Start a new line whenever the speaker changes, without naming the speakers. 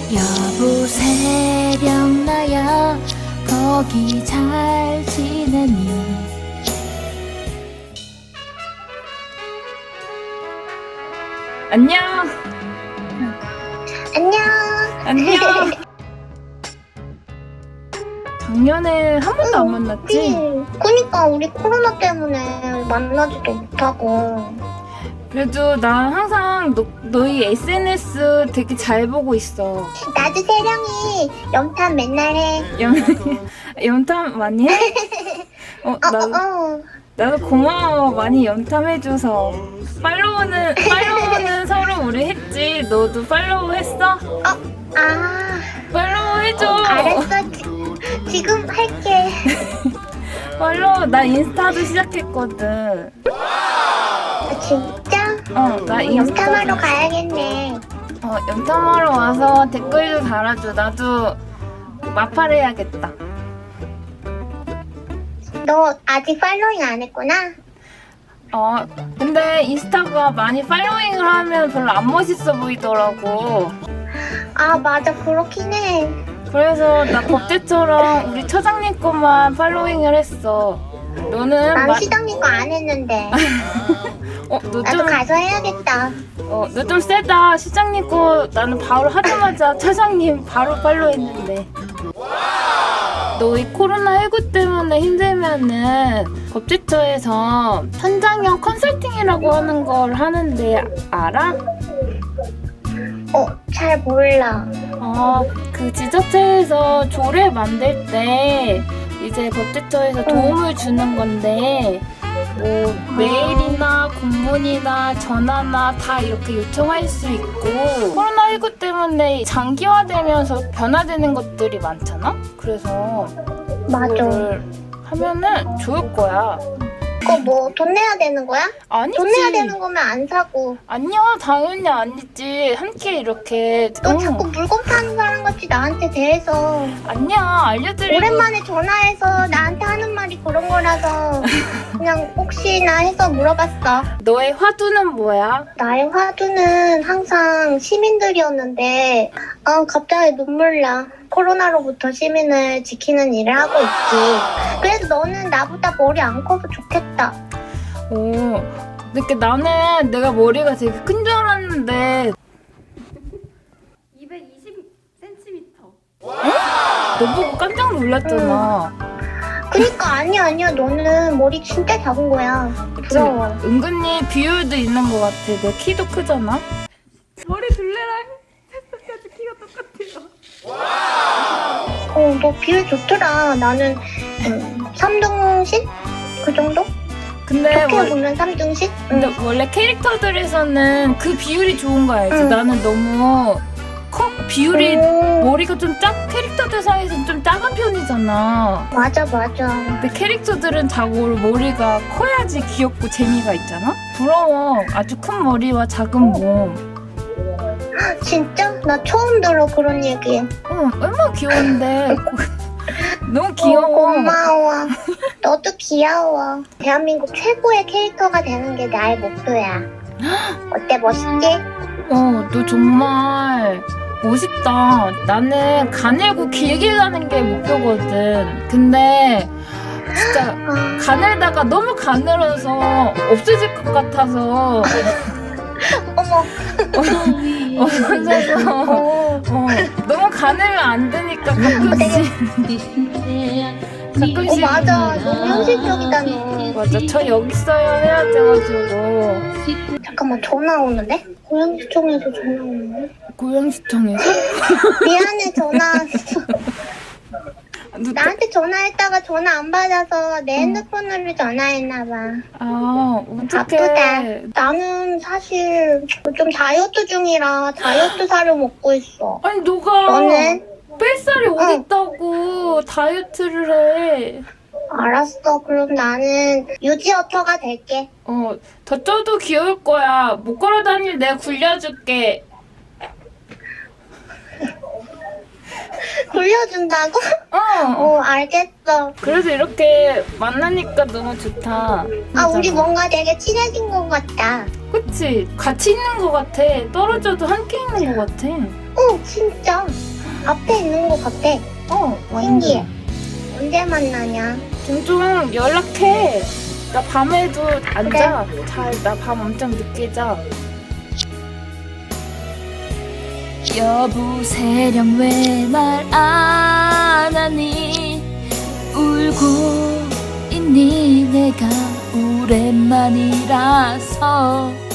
여보 새벽나야 거기 잘 지내니.
안녕.
안녕.
안녕. 작년에 한 번도 안 만났지?
그니까 우리 코로나 때문에 만나지도 못하고.
그래도 난 항상 너희 SNS 되게 잘 보고 있어.
나도 세령이 염탐 맨날 해.
염탐 많이 해? 나도 고마워. 많이 염탐해줘서. 팔로우는 서로 우리 했지. 너도 팔로우 했어? 팔로우 해줘.
알았어. 지금 할게.
팔로우. 나 인스타도 시작했거든.
진짜?
나 인스타.
염탐하러 가야겠네.
염탐하러 와서 댓글도 달아줘. 나도 마팔해야겠다.
너 아직 팔로잉 안 했구나?
근데 인스타가 많이 팔로잉을 하면 별로 안 멋있어 보이더라고.
아, 맞아. 그렇긴 해.
그래서 나 법대처럼 우리 처장님 거만 팔로잉을 했어. 너는
난 시장님 거 안 했는데.
너
나도 가서 해야겠다.
너 좀 세다. 시장님 거 나는 바로 하자마자 처장님 바로 팔로우했는데. 너 이 코로나19 때문에 힘들면은 법제처에서 현장형 컨설팅이라고 하는 걸 하는데 알아?
잘 몰라.
그 지자체에서 조례 만들 때 이제 법제처에서 도움을 주는 건데 뭐 메일이나 공문이나 전화나 다 이렇게 요청할 수 있고, 코로나19 때문에 장기화되면서 변화되는 것들이 많잖아? 그래서
맞아.
그거를 하면은 좋을 거야.
그거 뭐 돈 내야 되는 거야?
아니지.
돈 내야 되는 거면 안 사고.
아니야, 당연히 아니지. 함께 이렇게.
너 자꾸 물건 파는 사람 같이 나한테 대해서.
아니야, 알려드리고.
오랜만에 전화해서 나한테 하는 말이 그런 거라서 그냥 혹시나 해서 물어봤어.
너의 화두는 뭐야?
나의 화두는 항상 시민들이었는데 갑자기 눈물 나. 코로나로부터 시민을 지키는 일을 하고 있지. 그래서 너는 나보다 머리 안 커서 좋겠다.
근데 나는 내가 머리가 되게 큰 줄 알았는데 220cm. 너 보고 깜짝 놀랐잖아.
그니까 아니야. 너는 머리 진짜 작은 거야. 부러워.
은근히 비율도 있는 것 같아. 내 키도 크잖아. 머리 둘레랑 햇볕까지 키가 똑같아요.
너 비율 좋더라. 나는 3등신? 그 정도?
근데
좋게 보면 3등신?
근데 원래 캐릭터들에서는 그 비율이 좋은 거 알지? 나는 너무 비율이 머리가 좀 캐릭터들 사이에서는 좀 작은 편이잖아.
맞아.
근데 캐릭터들은 자고 머리가 커야지 귀엽고 재미가 있잖아? 부러워. 아주 큰 머리와 작은 몸.
진짜? 나 처음 들어 그런 얘기.
얼마나 귀여운데. 너무 귀여워.
고마워. 너도 귀여워. 대한민국 최고의 캐릭터가 되는 게 나의 목표야. 어때, 멋있지?
너 정말 멋있다. 나는 가늘고 길게 가는 게 목표거든. 근데 진짜 가늘다가 너무 가늘어서 없어질 것 같아서
어머.
없어져서 너무 가늘면 안 되니까 가끔씩
맞아. 너무 현실적이다, 너.
맞아. 저 여기 있어요 해야 돼가지고.
잠깐만, 전화 오는데? 고양시청에서 전화 오는데?
고양시청에서?
미안해, 전화 왔어. 나한테 전화했다가 전화 안 받아서 내 핸드폰으로 전화했나봐.
어떡해.
바쁘다. 나는 사실 좀 다이어트 중이라 다이어트 살을 먹고 있어.
아니 너가
너는?
뺄살이 어딨다고 다이어트를 해.
알았어. 그럼 나는 유지어터가 될게.
더 쪄도 귀여울 거야. 못 걸어 다닐 내가 굴려줄게.
굴려준다고? 알겠어.
그래서 이렇게 만나니까 너무 좋다.
우리 뭔가 되게 친해진 것 같다.
그치? 같이 있는 것 같아. 떨어져도 함께 있는 것 같아.
진짜 앞에 있는 것 같아. 신기해. 언제 만나냐?
종종 연락해. 나 밤에도 안 자. 나 밤 엄청 늦게 자.
여보세령 왜 말 안 하니 울고 있니 내가 오랜만이라서